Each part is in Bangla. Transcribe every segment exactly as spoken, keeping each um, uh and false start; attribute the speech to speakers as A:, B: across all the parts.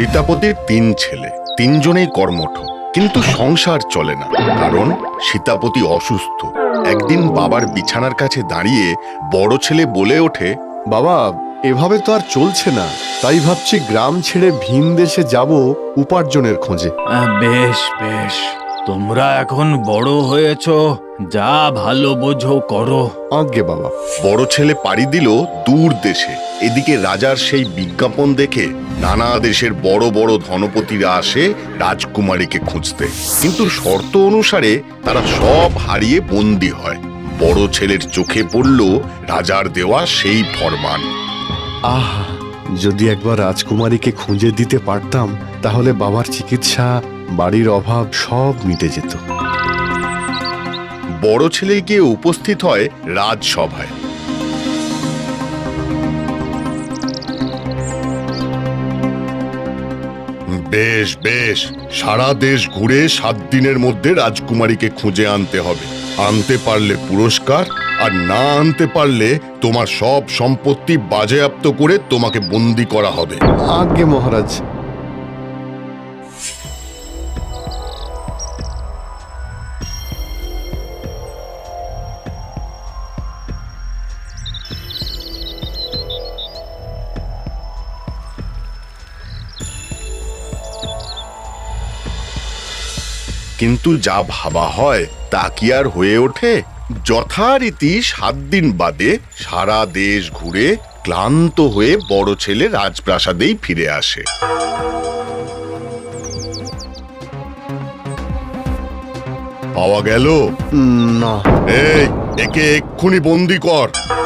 A: সীতাপতির তিন ছেলে, তিনজনেই কর্মঠ, কিন্তু সংসার চলে না, কারণ সীতাপতি অসুস্থ। একদিন বাবার বিছানার কাছে দাঁড়িয়ে বড় ছেলে বলে ওঠে,
B: বাবা, এভাবে তো আর চলছে না, তাই ভাবছি গ্রাম ছেড়ে ভিন দেশে যাব উপার্জনের খোঁজে।
C: বেশ বেশ, তোমরা এখন বড় হয়েছ, যা ভালো বোঝো করো।
B: আজ্ঞে বাবা।
A: বড় ছেলে পাড়ি দিল দূর দেশে। এদিকে রাজার সেই বিজ্ঞাপন দেখে নানা দেশের বড় বড় ধনপতিরা আসে রাজকুমারীকে খুঁজতে, কিন্তু শর্ত অনুসারে তারা সব হারিয়ে বন্দী হয়। বড় ছেলের চোখে পড়ল রাজার দেওয়া সেই ফরমান।
B: আহ, যদি একবার রাজকুমারীকে খুঁজে দিতে পারতাম, তাহলে বাবার চিকিৎসা, বাড়ির অভাব সব মিটে যেত।
A: বড় ছেলে গিয়ে উপস্থিত হয় রাজসভায়। বেশ বেশ, সারা দেশ ঘুরে সাত দিনের মধ্যে রাজকুমারীকে খুঁজে আনতে হবে। আনতে পারলে পুরস্কার, আর না আনতে পারলে তোমার সব সম্পত্তি বাজেয়াপ্ত করে তোমাকে বন্দী করা হবে।
B: আজ্ঞে মহারাজ।
A: কিন্তু যা ভাবা হয় তা কি আর হয়ে ওঠে? যথারীতি সাত দিন বাদে সারা দেশ ঘুরে ক্লান্ত হয়ে বড় ছেলে রাজপ্রাসাদেই ফিরে আসে। পাওয়া গেল
B: না।
A: এই, একে এক্ষুনি বন্দি কর।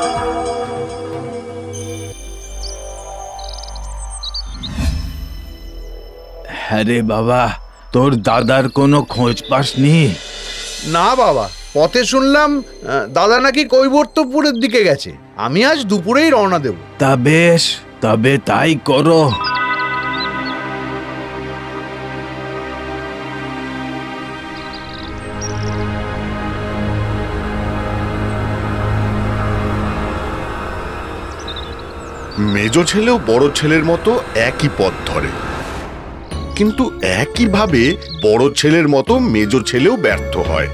C: হ্যাঁ রে বাবা, তোর দাদার কোনো খোঁজ পাসনি?
D: না বাবা, পথে শুনলাম আহ, দাদা নাকি কৈবর্তপুরের দিকে গেছে। আমি আজ দুপুরেই রওনা দেব।
C: তা বেশ, তবে তাই করো।
A: মেজ ছেলেও বড় ছেলের মতো একই পথ ধরে, কিন্তু একইভাবে বড় ছেলের মতো মেজ ছেলেও ব্যর্থ হয়।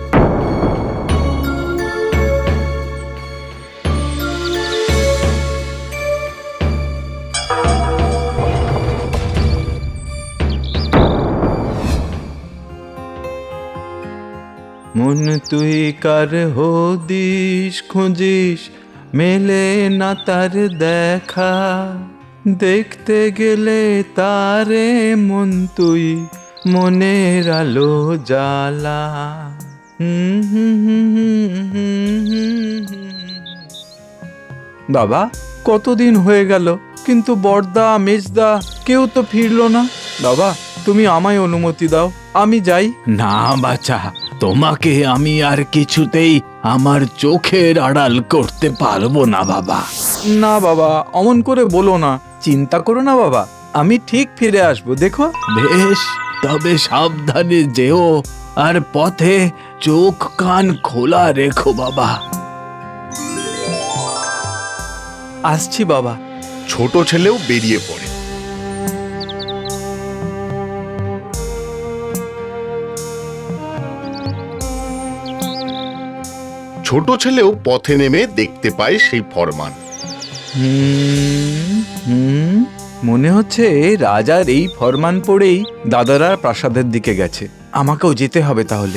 C: মন তুই কার হদিস খুঁজিস, মেলে না তার দেখা, দেখতে গেলে তারে মন তুই মনের আলো জ্বালা। হুম হুম হুম হুম হুম হুম হুম। বাবা, কতদিন হয়ে গেল, কিন্তু বড়দা মেজদা কেউ তো ফিরলো না। বাবা, তুমি আমায় অনুমতি দাও, আমি যাই। না বাছা, তোমাকে আমি আর কিছুতেই আমার চোখের আড়াল করতে পারবো না বাবা। না বাবা, অমন করে বলো না, চিন্তা করো না বাবা, আমি ঠিক ফিরে আসবো, দেখো। বেশ, তবে সাবধানে যেও, আর পথে চোখ কান খোলা রেখো বাবা। আসছি বাবা।
A: ছোট ছেলেও বেরিয়ে পড়ে। ছোট ছেলেও পথে নেমে দেখতে পায় সেই ফরমান।
C: হুম হুম মনে হচ্ছে রাজার এই ফরমান পড়েই দাদারা প্রাসাদের দিকে গেছে। আমাকেও যেতে হবে তাহলে।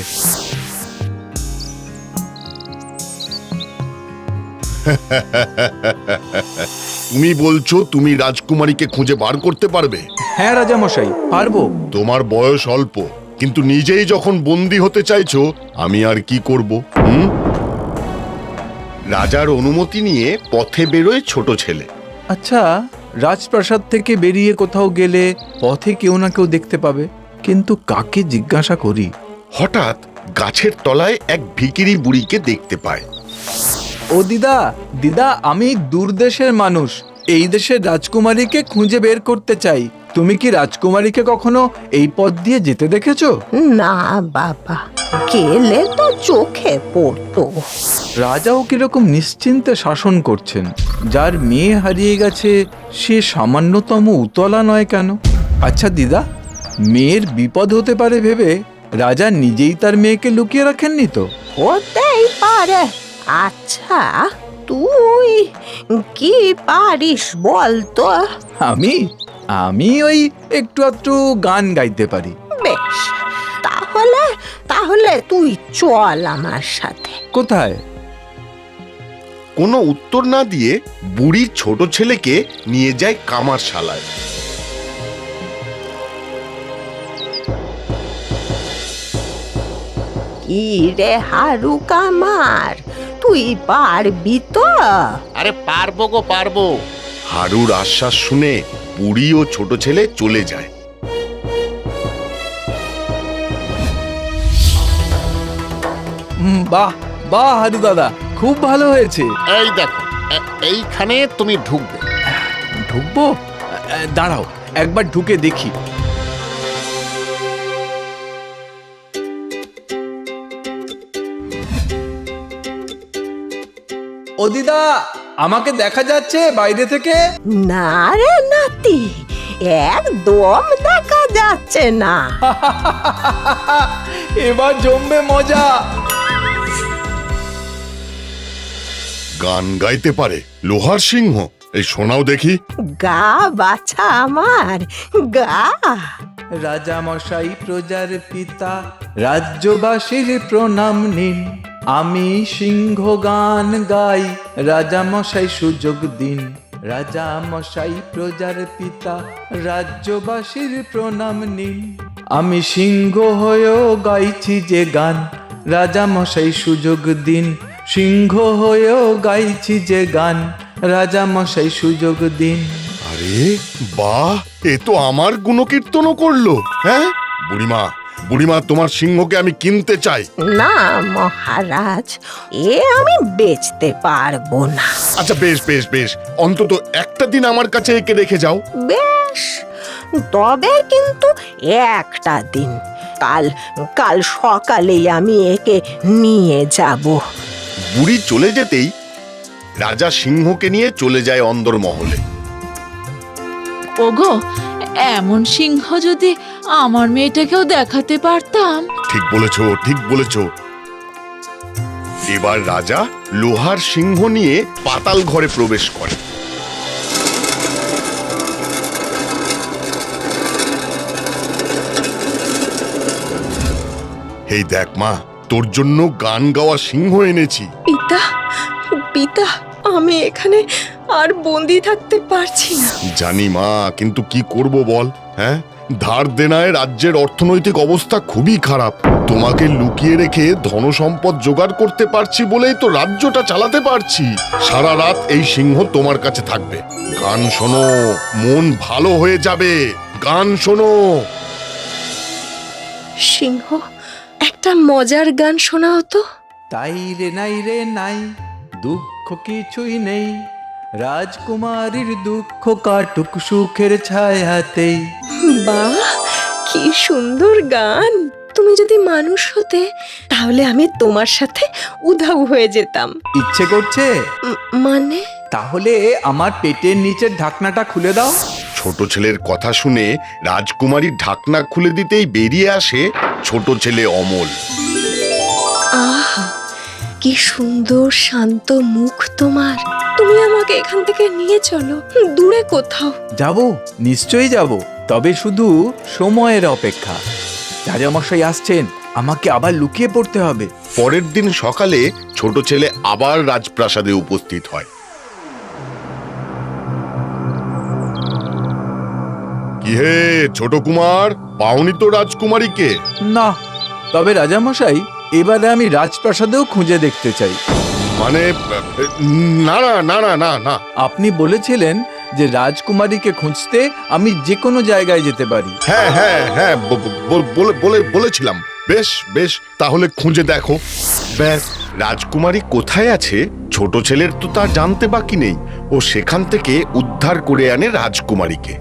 A: তুমি বলছো তুমি রাজকুমারীকে খুঁজে বার করতে পারবে?
C: হ্যাঁ রাজামশাই, পারবো।
A: তোমার বয়স অল্প, কিন্তু নিজেই যখন বন্দী হতে চাইছো, আমি আর কি করব? হুম? রাজার অনুমতি নিয়ে পথে বেরোয় ছোট ছেলে।
C: আচ্ছা, রাজপ্রাসাদ থেকে বেরিয়ে কোথাও গেলে পথে কেউ না কেউ দেখতে পাবে, কিন্তু কাকে জিজ্ঞাসা করি?
A: হঠাৎ গাছের তলায় এক ভিখিরি বুড়িকে দেখতে পায়।
C: ও দিদা, দিদা, আমি দূরদেশের মানুষ, এই দেশের রাজকুমারীকে খুঁজে বের করতে চাই। তুমি কি রাজকুমারীকে কখনো এই পথ দিয়ে যেতে দেখেছো?
E: না বাবা, গেলে তো চোখে পড়তো।
C: রাজাও কিরকম নিশ্চিন্তে শাসন করছেন। যার মেয়ে হারিয়ে গেছে সে সামান্যতম উতলা নয় কেন? আচ্ছা দিদা, মেয়ের বিপদ হতে পারে ভেবে রাজা নিজেই তার মেয়েকে লুকিয়ে রাখেননি তো?
E: হতেই পারে। আচ্ছা, তুই কি পারিস বলতো?
C: আমি আমি ওই একটু একটু গান গাইতে পারি।
E: বেশ, তাহলে তাহলে তুই চল আমার সাথে।
C: কোথায়?
A: কোনো উত্তর না দিয়ে বুড়ির ছোট ছেলেকে নিয়ে যায় কামারশালায়।
E: কি রে হারু কামার, তুই পারবি তো?
F: আরে পারবো গো পারবো।
A: হারুর আশ্বাস শুনে বুড়ি ও ছোট ছেলে চলে যায়।
C: হুম, বাহ বাহ হারু দাদা, খুব ভালো হয়েছে।
F: এই দেখো, এ- এইখানে তুমি ঢুকবে।
C: ঢুকবো? এ, দাঁড়াও, একবার ঢুকে দেখি। ও দিদা, আমাকে দেখা যাচ্ছে বাইরে থেকে?
E: না রে নাতি, একদম দেখা যাচ্ছে না।
C: এবার জমবে মজা।
A: গান গাইতে পারে লোহার সিংহ? এই শোনাও দেখি।
E: গা বাছা আমার, গা।
C: রাজা মশাই প্রজার পিতা, রাজ্যবাসীর প্রণাম নিন। আমি সিংহ গান গাই, রাজা মশাই সুযোগ দিন। রাজা মশাই প্রজার পিতা, রাজ্যবাসীর প্রণাম নিন। আমি সিংহ হয়েও গাইছি যে গান, রাজা মশাই সুযোগ দিন। সিংহ হয়েও গাইছি যে গান, রাজা মশাই সুযোগ দিন।
A: আরে বাহ, এ তো আমার গুণকীর্তনও করলো। হ্যাঁ বুড়িমা, বুড়িমা তোমার সিংহকে আমি কিনতে চাই।
E: না মহারাজ, এ আমি বেচতে পারবো না।
A: আচ্ছা বেশ বেশ বেশ, অন্তত একটা দিন আমার কাছে একে রেখে যাও।
E: বেশ, তবে কিন্তু একটা দিন। কাল কাল সকালেই আমি একে নিয়ে যাব।
A: বুড়ি চলে যেতেই রাজা সিংহকে নিয়ে চলে যায় অন্দরমহলে।
G: ওগো, এমন সিংহ যদি আমার মেয়েটাকেও দেখাতে পারতাম।
A: ঠিক বলেছ, ঠিক বলেছ। এবার রাজা লোহার সিংহ নিয়ে পাতাল ঘরে প্রবেশ করে। এই দেখ মা, তোর জন্য গান গাওয়া সিংহ এনেছি।
H: পিতা, পিতা, আমি এখানে আর বন্দি থাকতে পারছি না।
A: জানি মা, কিন্তু কি করব বল? হ্যাঁ, ধার দেনায় রাজ্যের অর্থনৈতিক অবস্থা খুবই খারাপ। তোমাকে লুকিয়ে রেখে ধনসম্পদ জোগাড় করতে পারছি বলেই তো রাজ্যটা চালাতে পারছি। সারা রাত এই সিংহ তোমার কাছে থাকবে। গান শোনো, মন ভালো হয়ে যাবে। গান শোনো।
H: সিংহ, একটা মজার গান শোনাও তো।
C: তাই রে নাই রে নাই, দুঃখ কিছুই নেই। রাজকুমারীর দুঃখ কাটুক সুখের ছায়াতেই।
H: বাহ, কি সুন্দর গান। তুমি যদি মানুষ হতে, তাহলে আমি তোমার সাথে উধাও হয়ে যেতাম।
C: ইচ্ছে করছে?
H: উম, মানে?
C: তাহলে আমার পেটের নিচের ঢাকনাটা খুলে দাও।
A: ছোট ছেলের কথা শুনে রাজকুমারীর ঢাকনা খুলে দিতেই বেরিয়ে আসে ছোট ছেলে অমল।
H: আহা, কি সুন্দর শান্ত মুখ তোমার। তুমি আমাকে এখান থেকে নিয়ে চলো, দূরে কোথাও।
C: যাব, নিশ্চয়ই যাব, তবে শুধু সময়ের অপেক্ষা। রাজামশাই আসছেন, আমাকে আবার লুকিয়ে পড়তে হবে।
A: পরের দিন সকালে ছোট ছেলে আবার রাজপ্রাসাদে উপস্থিত হয়। কি হে ছোট কুমার, পাওনি তো রাজকুমারীকে?
C: না, তবে রাজামশাই, এবারে আমি রাজপ্রাসাদেও খুঁজে দেখতে চাই।
A: মানে না না না না না না
C: আপনি বলেছিলেন যে রাজকুমারীকে খুঁজতে আমি যে কোনো জায়গায় যেতে পারি।
A: হ্যাঁ হ্যাঁ হ্যাঁ ব- ব- বলে- বলে বলেছিলাম। বেশ বেশ, তাহলে খুঁজে দেখো। ব্যাস, রাজকুমারী কোথায় আছে ছোট ছেলের তো তা জানতে বাকি নেই। ও সেখান থেকে উদ্ধার করে আনে রাজকুমারীকে।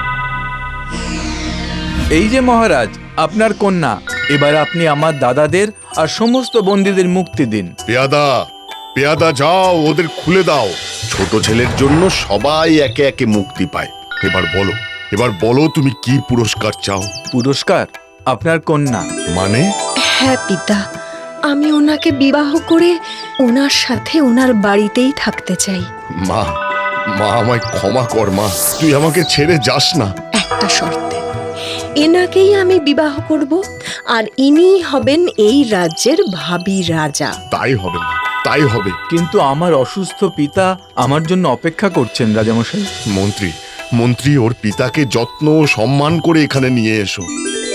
C: এই যে মহারাজ, আপনার কন্যা। এবার আপনি আমার দাদাদের আর সমস্ত বন্দীদের মুক্তি দিন।
A: পেয়াদা, পেয়াদা যাও, ওদের খুলে দাও। ছোট ছেলের জন্য সবাই একে একে মুক্তি পায়। এবার বলো, এবার বলো তুমি কি পুরস্কার চাও?
C: পুরস্কার আপনার কন্যা।
A: মানে?
H: হ্যাঁ পিতা, আমি ওনাকে বিবাহ করে ওনার সাথে ওনার বাড়িতেই থাকতে চাই।
A: মা, মা আমায় ক্ষমা কর মা, তুই আমাকে ছেড়ে যাস না।
H: একটা শর্তে, এনাকেই আমি বিবাহ করব, আর ইনি হবেন এই রাজ্যের ভাবী রাজা।
A: তাই হবে মা, তাই হবে।
C: কিন্তু আমার অসুস্থ পিতা আমার জন্য অপেক্ষা করছেন রাজামশাই।
A: মন্ত্রী, মন্ত্রী ওর পিতাকে যত্ন ও সম্মান করে এখানে নিয়ে এসো।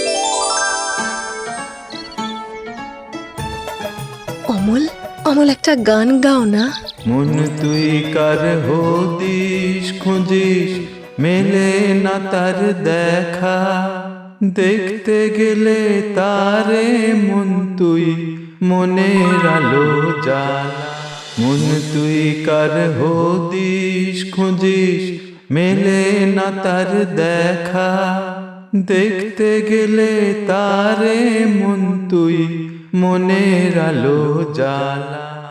H: অমল, অমল একটা গান গাও না।
C: মন তুই কার হদিস খুঁজিস, মেলে না তার দেখা, দেখতে গেলে তারে মন তুই, মনের আলো জ্বালা। মন তুই কার হদিস খুঁজিস, মেলে না তার দেখা, দেখতে গেলে তারে মন তুই, মনের আলো জ্বালা।